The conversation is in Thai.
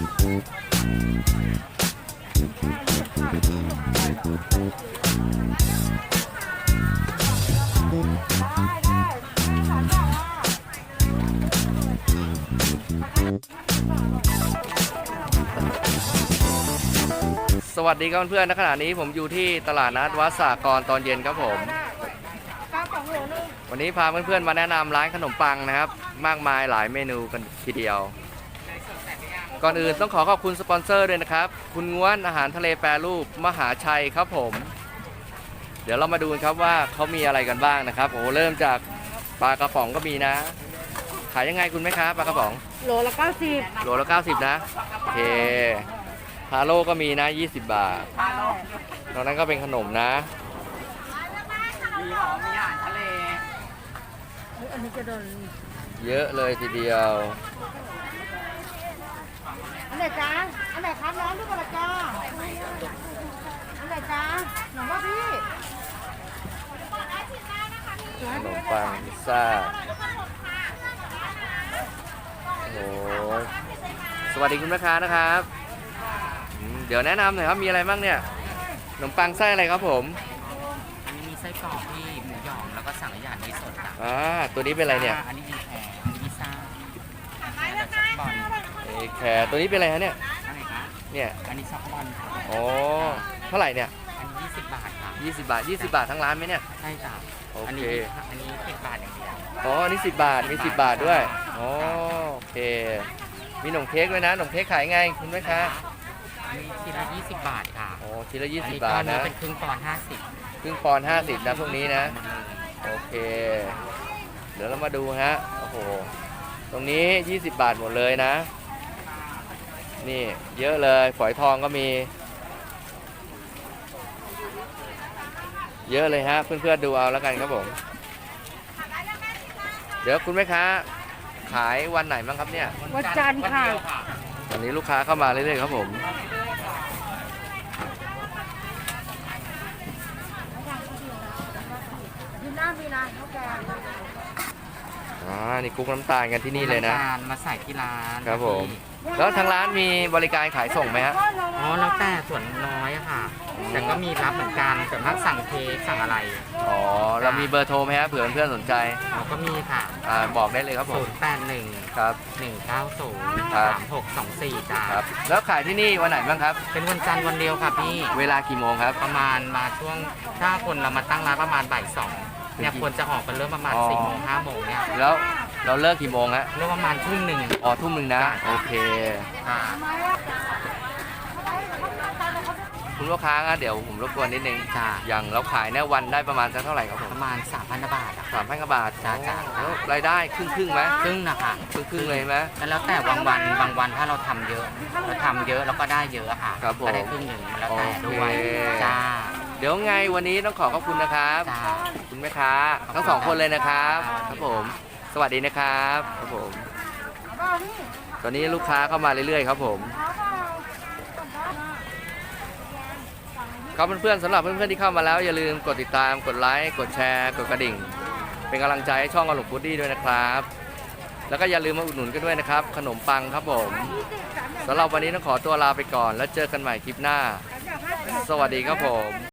สวัสดีครับเพื่อนๆณขณะนี้ผมอยู่ที่ตลาดนัดวัดสากรตอนเย็นครับผมวันนี้พาเพื่อนๆมาแนะนำร้านขนมปังนะครับมากมายหลายเมนูกันทีเดียวก่อนอื่นต้องขอบคุณสปอนเซอร์ด้วยนะครับคุณง้วนอาหารทะเลแปรรูปมหาชัยครับผมเดี๋ยวเรามาดูกันครับว่าเขามีอะไรกันบ้างนะครับโอ้เริ่มจากปลากระป๋องก็มีนะขายยังไงคุณแม่ค้าปลากระป๋องโลละ90 โลละ90นะโอเคฮาโลก็มีนะ20 บาทตรงนั้นก็เป็นขนมนะมีหอมมีอาหารทะเลอันนี้จะโดนเยอะเลยทีเดียวอันไหนจ้าอันไหนครับน้องด้วยกันละจ้าอันไหนจ้าหนูว่าพี่ขนมปังพิซซ่าโอ้ยสวัสดีคุณแม่ค้านะครับเดี๋ยวแนะนำหน่อยครับมีอะไรบ้างเนี่ยขนมปังไส้อะไรครับผมอันนี้มีไส้กรอกที่หมูหยองแล้วก็สั่งอาหารในสดค่ะตัวนี้เป็นอะไรเนี่ยอันนี้มีแครอันนี้พิซซ่าแล้วช็อกบอลแครตัวนี้เป็นอะไรฮะเนี่ยอะไรคะเนี่ยอันนี้ช็อกบอลค่ะอ๋อเท่าไหร่เนี่ยอันนี้20 บาทค่ะ 20 บาท20 บาททั้งร้านไหมเนี่ยใช่จ้ะโอเคอันนี้10 บาทอย่างเดียวอ๋ออันนี้10 บาทมี10 บาทด้วยอ๋อโอเคมีขนมเค้กด้วยนะขนมเค้กขายไงคุณแม่ค้าอันนี้ทีละ20 บาทค่ะโอ้ทีละ20 บาทนะเป็นครึ่งปอนด์50 ครึ่งปอนด์50นะพวกนี้นะโอเคเดี๋ยวเรามาดูฮะโอ้โหตรงนี้20 บาทหมดเลยนะนี่เยอะเลยฝอยทองก็มีเยอะเลยฮะเพื่อนๆดูเอาแล้วกันครับผมเดี๋ยวคุณแม่ค้าขายวันไหนบ้างครับเนี่ยวันจันทร์ค่ะวันนี้ลูกค้าเข้ามาเรื่อยๆครับผมยืนหน้ามีนะโอเคนี่คลุกน้ำตาลกันที่นี่เลยนะมาใส่ที่ร้านครับผมแล้วทางร้านมีบริการขายส่งไหมฮะอ๋อแล้วแต่ส่วนน้อยค่ะแต่ก็มีรับเหมือนกันแต่ถ้าสั่งเค้กสั่งอะไรอ๋อเรามีเบอร์โทรไหมฮะเผื่อเพื่อนสนใจอ๋อก็มีค่ะบอกได้เลยครับผม 081 ครับ 1903624จ้าครับแล้วขายที่นี่วันไหนบ้างครับเป็นวันจันทร์วันเดียวค่ะพี่เวลากี่โมงครับประมาณมาช่วงถ้าคนเรามาตั้งร้านประมาณบ่าย 2เนี่ยควรจะออกกันเริ่มประมาณ4 โมง 5 โมงเนี่ยแล้วเราเลิกกี่โมงฮะเริ่มประมาณทุ่ม 1 อ๋อทุ่ม 1นะโอเคคุณลูกค้าเดี๋ยวผมรบกวนนิดนึงอย่างเราขายเนี่ยวันได้ประมาณสักเท่าไหร่ครับผมประมาณ 3,000 บาท 3,000 บาทจ้าแล้วรายได้ครึ่งไหมครึ่งนะคะครึ่งเลยไหมแล้วแต่บางวันถ้าเราทำเยอะเราก็ได้เยอะค่ะก็ได้ครึ่งหนึ่งแล้วแต่ด้วยจ้าเดี๋ยวไงวันนี้ต้องขอบคุณนะครับคุณแม่ค้าทั้ง2 คนเลยนะครับครับผมสวัสดีนะครับครับผมตอนนี้ลูกค้าเข้ามาเรื่อยๆครับผมครับเพื่อนๆสำหรับเพื่อนๆที่เข้ามาแล้วอย่าลืมกดติดตามกดไลค์กดแชร์กดกระดิ่งเป็นกำลังใจให้ช่องอลุงพุดดี้ด้วยนะครับแล้วก็อย่าลืมมาอุดหนุนกันด้วยนะครับขนมปังครับผมสำหรับวันนี้ต้องขอตัวลาไปก่อนแล้วเจอกันใหม่คลิปหน้าสวัสดีครับผม